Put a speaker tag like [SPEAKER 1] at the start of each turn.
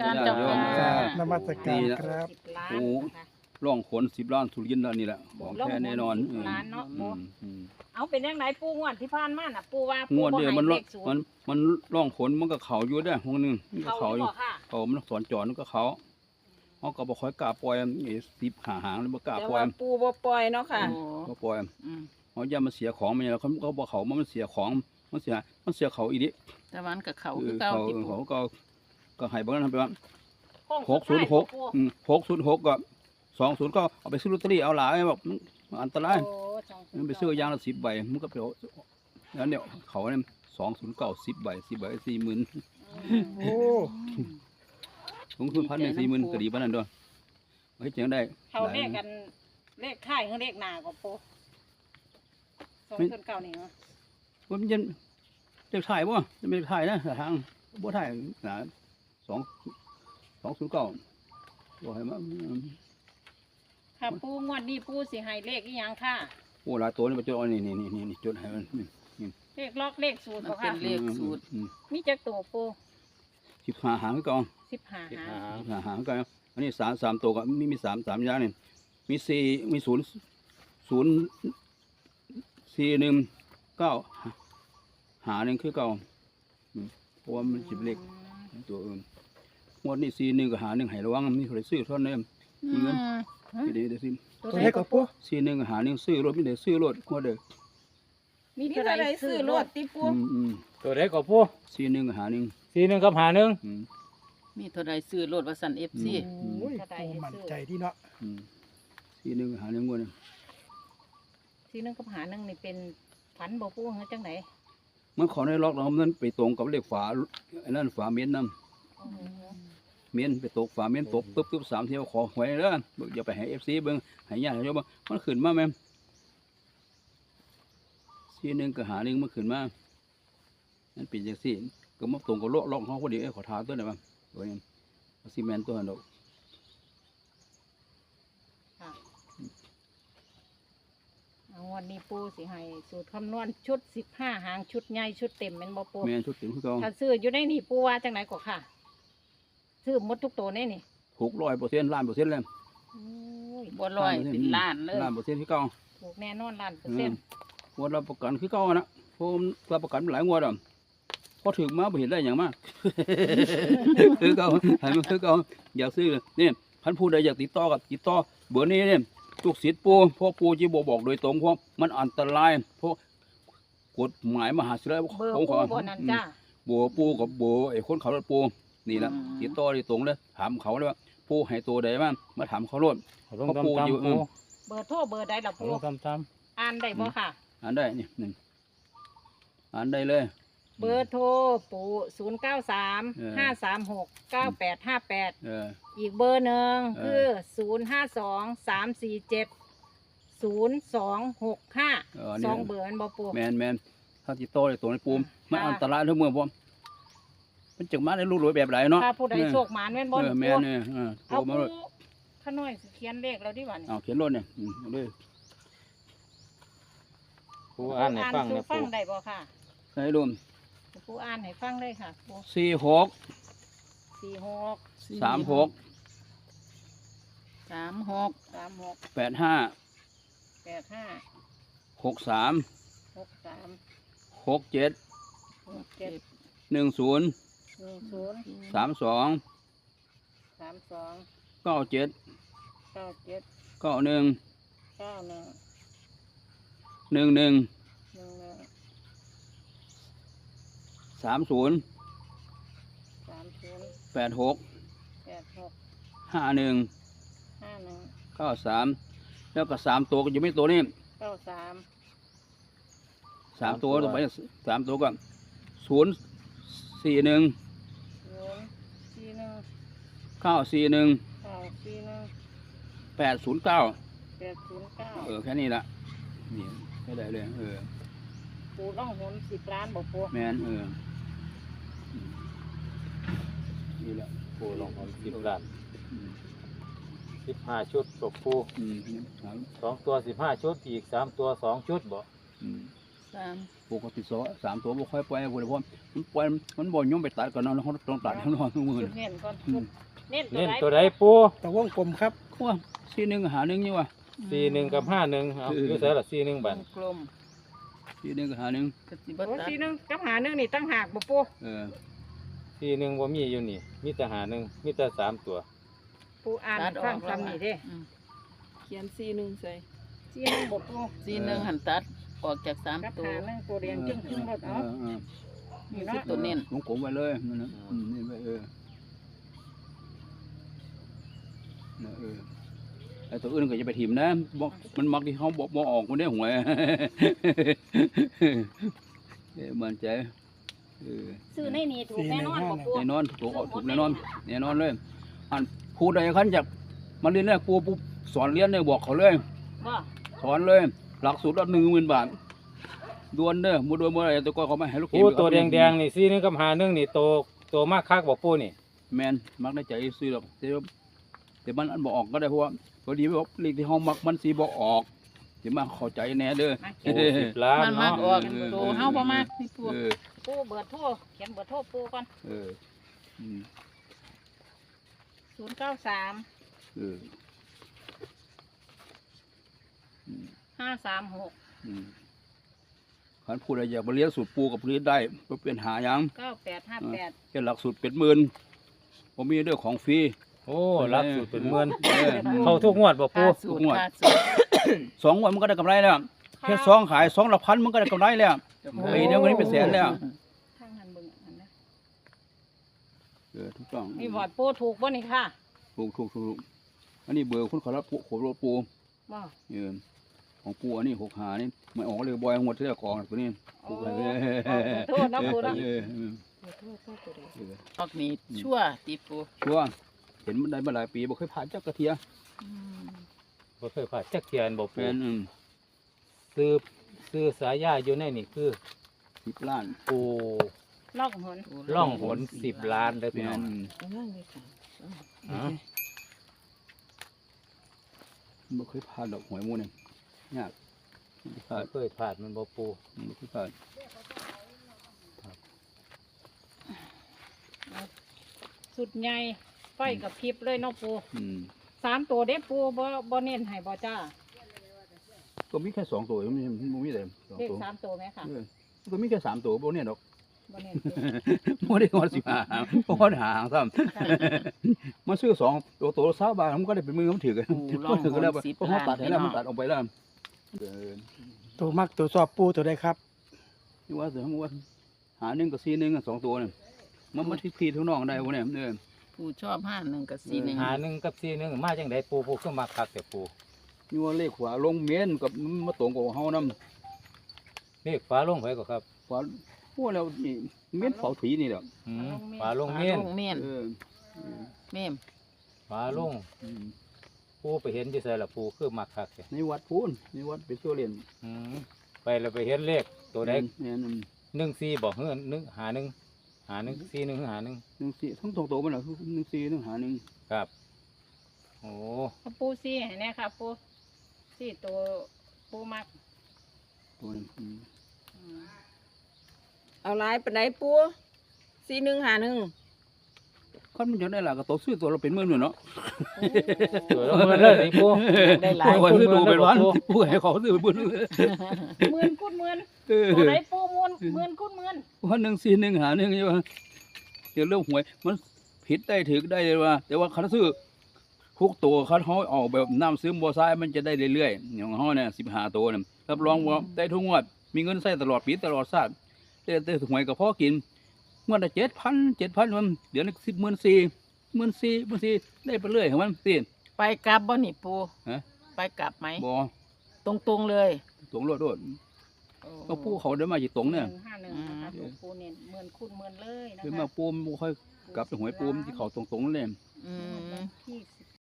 [SPEAKER 1] การเจ้าค่ะ
[SPEAKER 2] ครับนมัสการครับ
[SPEAKER 3] 10 ล้าน
[SPEAKER 4] โอ้
[SPEAKER 3] นะคะ
[SPEAKER 4] ร่องขน10 ล้านทุเรียนแล้วนี่แหละของแท้แน่นอน
[SPEAKER 3] 10 ล้านเนาะ
[SPEAKER 4] อืม
[SPEAKER 3] เอาเป็นยังไงปูงวดที่ผ่านมาน่ะปูว่าง
[SPEAKER 4] วดเดียว
[SPEAKER 3] ให้
[SPEAKER 4] มัน
[SPEAKER 3] เลขศูนย์
[SPEAKER 4] มันร่องขนมันก็เขาอยู่ได้ห้องนึงมันก็
[SPEAKER 3] เขา
[SPEAKER 4] เขา
[SPEAKER 3] อ
[SPEAKER 4] อยู่ ยู่
[SPEAKER 3] บ่ค่ะ
[SPEAKER 4] เขามันสอนจอมันก็เขาเขาก็บ่ค่อยกล้าปล่อย10 หางแล้วบ่กล้า
[SPEAKER 1] แต่
[SPEAKER 4] ปล่อ
[SPEAKER 1] ว่าย ปูบ่ปล่อยเนาะค่ะ
[SPEAKER 4] บ่ปล่อย
[SPEAKER 1] อืม
[SPEAKER 4] เขาอย่ามาเสียของมันแล้วเขาบ่เขามันเสียของมันเสียเขาอีดิ
[SPEAKER 1] แต่วันกับเขาคือเก่า
[SPEAKER 4] เขา
[SPEAKER 1] ที่ปู
[SPEAKER 4] เขาก็ให้บ่นั้นไปว่า
[SPEAKER 3] โค้งสุดท้าย
[SPEAKER 4] 606
[SPEAKER 3] ปู
[SPEAKER 4] 606ก็20ก็เอาไปซื้อลอตเตอรี่เอาหลายแบบมันอันตราย
[SPEAKER 3] โอ้จัง
[SPEAKER 4] มันไปซื้อยางละ10 ใบมันก็ไปเอาแล้วเนี่ยเขาเนี่ย209 10 ใบ10 ใบ40,000
[SPEAKER 2] โอ้
[SPEAKER 4] ลงทุน1,000 40,000ก็ดีปานนั้นด้วยเฮ้ยจังได้
[SPEAKER 3] เขาเลขกันเลขท้ายกับเลขหน้าก็ปู209นี่เนาะ
[SPEAKER 4] มันจะเลขถ่ายบ่จะไม่ถ่ายนะทางบ่ถ่ายนะ209บ่ให้มา
[SPEAKER 3] ค่ะปูงวดนี้ปูสิให้เลขอีหยังค่ะ
[SPEAKER 4] โอ้หลายตัวนี่มาจดเอานี่จดให้มัน
[SPEAKER 3] เลขล็อกเลขสูตร
[SPEAKER 1] มัน
[SPEAKER 3] บ่
[SPEAKER 1] เป็
[SPEAKER 3] ค่ะ
[SPEAKER 1] นเลขสูตร
[SPEAKER 3] มีจักตัวปู
[SPEAKER 4] 15หางคือเก่า
[SPEAKER 3] 15หาง
[SPEAKER 4] 15หางคือเก่าอันนี้3ตัวก็มี3อย่างนี่มี4มี0 4 1 9หาหนึ่งคือเก่าเพราะว่ามันสิบเลขตัวอื่นงวดนี้41ก็หา1ให้ระวังมีคนซื้อเท่านั้นมีเงินเดี๋ยวสิ
[SPEAKER 2] ตัวเลขกับปู
[SPEAKER 4] 41ก็หา1ซื้อรถมีแต่ซื้อรถงวดเด้อ
[SPEAKER 3] มี
[SPEAKER 1] มี
[SPEAKER 3] เท่า
[SPEAKER 1] เท่า
[SPEAKER 3] ใด
[SPEAKER 1] ไร
[SPEAKER 3] ซื้
[SPEAKER 1] ซื้
[SPEAKER 3] อ
[SPEAKER 1] อ
[SPEAKER 3] ร
[SPEAKER 1] ร
[SPEAKER 3] ถ
[SPEAKER 1] ถติปู
[SPEAKER 5] ตัวเล็กกว่าผู้
[SPEAKER 4] 41ก็หา1
[SPEAKER 5] 41กับ51
[SPEAKER 1] มีเท่าไรซื้อรถว่าสัน FC
[SPEAKER 2] โอ้ยปูมั่นใจที่เนาะ
[SPEAKER 4] 41ก็หา1งวดนึง
[SPEAKER 3] ที่นึงกับหานึงนี่เป็นฝันบ่ปูเฮาจังไหน
[SPEAKER 4] มันขอได้ล็อกแล้วมันไปตรงกับเลขฝาไอ้นั่นฝาเมียนนำเมียนไปตกฝาเมียนตกปึ๊บ3เที่ยวขอหวยเด้ออย่าไปให้ FC เบิ่งให้ญาติโยมมันขึ้นมาแม่41ก็หา1มันขึ้นมามันเป็นจังซี่ก็มาตรงกับล็อกเฮาพอดีขอทาตัวได้บ่ตัวนี้ซีเมนต์ตัวนั้นดอก
[SPEAKER 3] เอาวันนี้ปูสิให้สูตรคำนวณชุด15หางชุดใหญ่ชุดเต็มแม่นบ่ปู
[SPEAKER 4] แม่นชุดถึงคือเก่า
[SPEAKER 3] ถ้าซื้ออยู่ในนี่ปูว่าจังไหนก็ค่ะ ซื้อหมดทุกตัวในนี่
[SPEAKER 4] ถูก100%ล้านเปอร์เซ็นต์เลย
[SPEAKER 3] โอ้ย
[SPEAKER 1] บ่ลอยเป็นล้านเลย
[SPEAKER 4] ล้านเปอร์เซ็นต์คือเก่า
[SPEAKER 3] ถูกแน่นอนล้านเปอร์เซ็นต์
[SPEAKER 4] งวดรับประกันคือเก่านะผมรับประกันหลายงวดอ่ะพอถึงมาบ่เห็นได้อย่างมาก คือเก่าให้มันคือเก่าอยากซื้อเลยนี่ท่านผู้ใดอยากติดต่อกับติดต่อเบอร์นี้เนี่ยทุกสิทธิ์ปูเพราะปูจีบอกโดยตรงเพราะมันอันตรายเพราะกฎหมายมหาศิลป์
[SPEAKER 3] เบอร์
[SPEAKER 4] ผม
[SPEAKER 3] ปู
[SPEAKER 4] ขอ
[SPEAKER 3] บ่นั่นจ้า
[SPEAKER 4] เบอร์ปูกับเบอร์ไอ้คนขับรถปูนี่แหละติดต่อโดยตรงเลยถามเขาเลยว่าปูให้ตัวใดบ้างมาถามเขาโลด
[SPEAKER 5] ลง
[SPEAKER 4] เพราะปูอยู่
[SPEAKER 5] ตำๆผู้
[SPEAKER 3] เบอร์โทรเบอร์ใดล่ะปู
[SPEAKER 5] ลงตำ
[SPEAKER 3] อ่านได้บ่ค่ะ
[SPEAKER 4] อ่านได้นี่หนึ่งอ่านได้เลย
[SPEAKER 3] เบอร์โทรปู0935369858
[SPEAKER 4] เออ
[SPEAKER 3] อีกเบอร์หนึ่ง
[SPEAKER 4] เอ
[SPEAKER 3] คือ
[SPEAKER 4] อ
[SPEAKER 3] 0523470265
[SPEAKER 4] นี่
[SPEAKER 3] สองเบอร์มันบ่ปู
[SPEAKER 4] แมนถ้าติดต่อได้ตัวในปูมมันอันตรายทั้งเมืองผมมันจึงมาได้ลูกรวยแบบไหนเนาะ
[SPEAKER 3] ถ้าผู้ใดโชคหมานแม่นบ่
[SPEAKER 4] แม
[SPEAKER 3] ปู
[SPEAKER 4] นเนี่ยโทร
[SPEAKER 3] เอา
[SPEAKER 4] มา
[SPEAKER 3] ปู
[SPEAKER 4] เลย
[SPEAKER 3] ข้าน้อยสิเขียนเลขแล้วดิวัน
[SPEAKER 4] เอาเขียนรถเนี่ยเอาเลย
[SPEAKER 5] ผู้อ่านให้ฟัง
[SPEAKER 3] สู่
[SPEAKER 5] นะ
[SPEAKER 3] ฟัง
[SPEAKER 5] ผู้
[SPEAKER 3] ได้บ่ค่ะ
[SPEAKER 4] ให้ดู
[SPEAKER 3] ปูอ่านให้ฟังเลยค่ะปู
[SPEAKER 4] 46
[SPEAKER 3] 46
[SPEAKER 4] 36
[SPEAKER 1] 36
[SPEAKER 3] 36
[SPEAKER 4] 85
[SPEAKER 3] 85
[SPEAKER 4] 63
[SPEAKER 3] 63
[SPEAKER 4] 67
[SPEAKER 3] 67
[SPEAKER 4] 10
[SPEAKER 3] 10
[SPEAKER 4] 32
[SPEAKER 3] 32
[SPEAKER 4] 97
[SPEAKER 3] 97
[SPEAKER 4] 91
[SPEAKER 3] 91
[SPEAKER 4] 11
[SPEAKER 3] 11
[SPEAKER 4] 30
[SPEAKER 3] 30
[SPEAKER 4] 86
[SPEAKER 3] 86
[SPEAKER 4] 51
[SPEAKER 3] 51
[SPEAKER 4] 93แล้วก็3ตัวก็อยู่ไม่ตัวนี้
[SPEAKER 3] 93
[SPEAKER 4] 3ตัวต่อไป3ตัวก็041
[SPEAKER 3] 041
[SPEAKER 4] 941
[SPEAKER 3] 941
[SPEAKER 4] 809
[SPEAKER 3] 809
[SPEAKER 4] แค่นี้ละนี่ไม่ได้เลย
[SPEAKER 3] ปูต้องหน10 ล้านบ่ปู
[SPEAKER 4] แมนนี่แหละ
[SPEAKER 5] ผู้ลงของ10 ล้าน
[SPEAKER 4] อืม
[SPEAKER 5] 15 ชุดตกผู้
[SPEAKER 4] ครับ
[SPEAKER 5] 2 ตัว 15 ชุดอีก3 ตัว 2 ชุดบ่
[SPEAKER 4] อืม
[SPEAKER 1] 3
[SPEAKER 4] ปกติสามตัวบ่ค่อยปล่อยพุ่นเพราะมันปล่อยมันบ่ยอมไปตัดก่อนเนาะเราต้องตัดข้างนอกทุกมื้อ
[SPEAKER 3] ชุดเน้นก่อนชุดเน้น
[SPEAKER 5] เน้น
[SPEAKER 3] ตั
[SPEAKER 5] ตัว ว
[SPEAKER 3] ใด
[SPEAKER 5] ใดปู
[SPEAKER 2] ตะวงกลมครับ
[SPEAKER 4] ว่า41หา1อยู่ว่ะ
[SPEAKER 5] 41กับ51เอาอยู่ไสล่ะ41บาท
[SPEAKER 1] กลม
[SPEAKER 4] 41ก็หา1
[SPEAKER 1] ก็สิบ่
[SPEAKER 3] โอ้
[SPEAKER 1] ตัด
[SPEAKER 3] สีหนึงกับหาหนึงนี่ตั้งหากบ่ปู
[SPEAKER 4] เออ
[SPEAKER 5] 41บ่มีอยู่นี่มีแต่51มีแต่3ตัว
[SPEAKER 3] ปูอ่านฟังคำนี้เด้
[SPEAKER 6] เขียน41ใส่
[SPEAKER 3] สีหนึงบ่ปู
[SPEAKER 1] 41หันตัดออกจาก
[SPEAKER 3] กับ
[SPEAKER 1] 3ตัว
[SPEAKER 3] หาหนึงตัวเรียงจึ้งจึ้งรถเอา
[SPEAKER 1] นี่คือตัวเน้น
[SPEAKER 4] วงกลมไว้เลยนั่นน่ะนี่ไว้ไอ้ตัวอื่นก็จะไปถิ่มนะบ่มันมักที่เขาบ่ออกมันได้หวย มันใจ
[SPEAKER 3] ซื้อในนี่ถูกแน่นอนบ่ปู
[SPEAKER 4] แน่นอนถูกออกถูกแน่นอนเลยอันผู้ใดคันจากมาเรียนเนี่ยปูปุ๊บสอนเรียนเนี่ยบอกเขาเลย
[SPEAKER 3] บ่
[SPEAKER 4] สอนเลยหลักสูตรละ10,000 บาทดวนเด้อบ่ดวนบ่ได้ตัวก็เขาไม่ให้ลูก
[SPEAKER 5] ปูตัวแดงๆนี่41กับ51นี่โตมากคักบ่ปูนี่
[SPEAKER 4] แม่นมักได้ใจซื้อหรอกแต่มันอันบ่ออกก็ได้เพราะว่าพอดีว่าเลขที่เฮามักมันสิบ่ออกสิมาเข้าใจแน่เด้อ
[SPEAKER 3] มา
[SPEAKER 5] โอ้10 ล้าน
[SPEAKER 1] มันมา
[SPEAKER 5] เนาะ
[SPEAKER 1] ออกตัวเฮาบ่มากนี่ปู
[SPEAKER 3] ปูเบอร์โทรเขียนเบอร์โทรปูก่อน
[SPEAKER 4] เอออืม
[SPEAKER 3] 093
[SPEAKER 4] เออ
[SPEAKER 3] 536
[SPEAKER 4] อืมคันผู้ใดอยากมาเรียนสูตรปูกับเรียนได้บ่เป็นหาหยัง
[SPEAKER 3] 9858
[SPEAKER 4] แค่หลักสูตรเป็นหมื่นบ่มีเด้อของฟรี
[SPEAKER 5] โอ้รับสูตรเป็นหมื่น
[SPEAKER 4] เออ
[SPEAKER 5] เข้าทุกงวดบ่ปู
[SPEAKER 1] ค่าสูตรค่าสูตร
[SPEAKER 4] 2 วันมันก็ได้กำไรแล้วแค่2ขาย2ละพันมันก็ได้กำไรแล้วปีเดียววันนี้เป็นแสนแล้ว
[SPEAKER 3] ทางนั้นเบิ่งอันนั้น
[SPEAKER 4] ถูกต้อง
[SPEAKER 3] นี่บอดปูถูกบ่นี่ค่ะ
[SPEAKER 4] ถูกอันนี้เบอร์คนขอรับปูขอรถปู
[SPEAKER 3] บ่
[SPEAKER 4] เออของปูอันนี้6หานี่ไม่ออกเลยบอยงวดที่แล้วกองตัวนี้
[SPEAKER 3] โอ้โทษนะปูนะ
[SPEAKER 4] เออ
[SPEAKER 3] โทษตัวใด
[SPEAKER 1] ออกนี่ชั่วติปู
[SPEAKER 4] ชัวร์เห็นมันได้มาหลายปีบ่เคยผ่านจักกระเทีย
[SPEAKER 5] บ่เคยพลาดจักเทียนบ่
[SPEAKER 4] แฟ
[SPEAKER 5] ปู
[SPEAKER 4] น
[SPEAKER 5] ซื้อสายาอยู่ในนี่คือ
[SPEAKER 4] 10 ล้าน
[SPEAKER 5] ปู
[SPEAKER 3] ล่องหน
[SPEAKER 5] ล่องหน10 ล้านเด้อ
[SPEAKER 4] แฟ
[SPEAKER 5] พี่น้อน ง
[SPEAKER 6] เอานั่งเลยค่ะ
[SPEAKER 5] อ๋อ
[SPEAKER 4] บ่เคยผ่านดอกหวยหมู่นี่ยากผ่าน
[SPEAKER 5] เคยพลาดมันบ่ปู
[SPEAKER 4] บ่เคยผ่าน
[SPEAKER 3] สุดใหญ่ไฟกับพริบเลยเนาะปู
[SPEAKER 4] อืม
[SPEAKER 3] 3ตัวเด้ปูบ่เน้นให้บ่จ้า
[SPEAKER 4] ก็มีแค่2ตัวมันบ่มีแต่2
[SPEAKER 3] เลข
[SPEAKER 4] ตัว
[SPEAKER 3] 3ตัวไหมค่ะ
[SPEAKER 4] ก็มีแค่3ตัวบ่เนี่ยดอก
[SPEAKER 3] บ่เน้นปู
[SPEAKER 4] บ่ได้ฮอด15หางบ่ฮอดหางซ้ำมันซื้อ2ตัวละ20 บาทมันก็ได้เป็นมือมันถือกัน
[SPEAKER 1] ลอง
[SPEAKER 4] ถือกันแล้ว
[SPEAKER 1] 10
[SPEAKER 4] เพราะเขาตัดให้แล้ว
[SPEAKER 1] ล้าน
[SPEAKER 4] มันตัดออกไปแล้ว
[SPEAKER 2] ตัวมักตัวสอบปูตัวใดครับ
[SPEAKER 4] นี่ว่าเสือมันว่าหา1กับ4 1 2ตัวนี่มันที่ทุกน้องได้บ่เนี่ยเออ
[SPEAKER 1] ปูชอบ51กับ
[SPEAKER 5] หาหนึ่งกับ41มาจังไดปูคือมาคักแต่ปู
[SPEAKER 4] นี่ว่าเลขขวาลงเมนกับมาตรงกับเฮานำ
[SPEAKER 5] เลขฟ้าลงไผก็ครับ
[SPEAKER 4] ขวาพวกแล้วนี่เมนเฝ้าถีนี่แหละ
[SPEAKER 5] ฟ้าลง
[SPEAKER 1] 41
[SPEAKER 5] เมียน
[SPEAKER 1] ลงเมียน
[SPEAKER 4] เออ
[SPEAKER 1] เมม
[SPEAKER 5] ฟ้าลง
[SPEAKER 4] อืม
[SPEAKER 5] ปูไปเห็นอยู่ไสล่ะปูคือมาคักแต่
[SPEAKER 4] ในวัดพูนในวัดเป็นตัวเรียน
[SPEAKER 5] ไปแล้วไปเห็นเลขตัวใด
[SPEAKER 4] เนี่ย
[SPEAKER 5] 14บ่เฮือ1หา1 41หา1
[SPEAKER 4] 14ทั้ง2ตัวมันน่ะคือ14 1หา1
[SPEAKER 5] ครับ โอ้
[SPEAKER 3] เอาปูซี่ให้แน่ค่ะปูซี่ตัวปูมัก
[SPEAKER 4] ตัวนึง
[SPEAKER 6] เอาหลายปานใดปู4151
[SPEAKER 4] คันมันจะได้ล่ะก็ตัวซื้อตัวเราเป็นหมื่นเนาะ
[SPEAKER 5] ตัวละหมื่นเลยนี่ปู
[SPEAKER 1] ได้หลาย
[SPEAKER 4] คนซื้อตัวเป็นวันผู้ให้เขาซื้อเป็นหมื่น
[SPEAKER 3] หมื่นคูณหมื่น
[SPEAKER 4] เออ
[SPEAKER 3] ตัวไหนปูหมื่นคูณหมื่น
[SPEAKER 4] วัน1 4 1หา1อยู่ว่าเดี๋ยวเรื่องหวยมันผิดได้ถูกได้เลยว่า แต่ว่าคันซื้อทุกตัวคันเฮาออกแบบน้ำซื้อบ่ซ้ายมันจะได้เรื่อยๆอย่างเฮาเนี่ย15ตัวเนี่ยรับรองว่าได้ทุกงวดมีเงินใช้ตลอดปีตลอดชาติแต่หวยก็พอกินงวดละ7,000มันเดี๋ยวนี้14,000ได้ไปเรื่อยของมันสิ
[SPEAKER 1] ไปกลับบ่นี่ปู
[SPEAKER 4] ฮะ
[SPEAKER 1] ไปกลับไหม
[SPEAKER 4] บ่
[SPEAKER 1] ตรงๆเลย
[SPEAKER 4] ตรงโลดก็ผู้เขาได้มาอยู่ตรงเนี่ย
[SPEAKER 3] 151นะคะตัวปูเน้นหมื่นคูณหมื่นเลยนะ
[SPEAKER 4] คือ
[SPEAKER 3] คะ
[SPEAKER 4] มาปูมบ่ค่อยกลับไปหวยปูมที่เขาตรงๆนั่นแหละ
[SPEAKER 1] อืม
[SPEAKER 3] ที่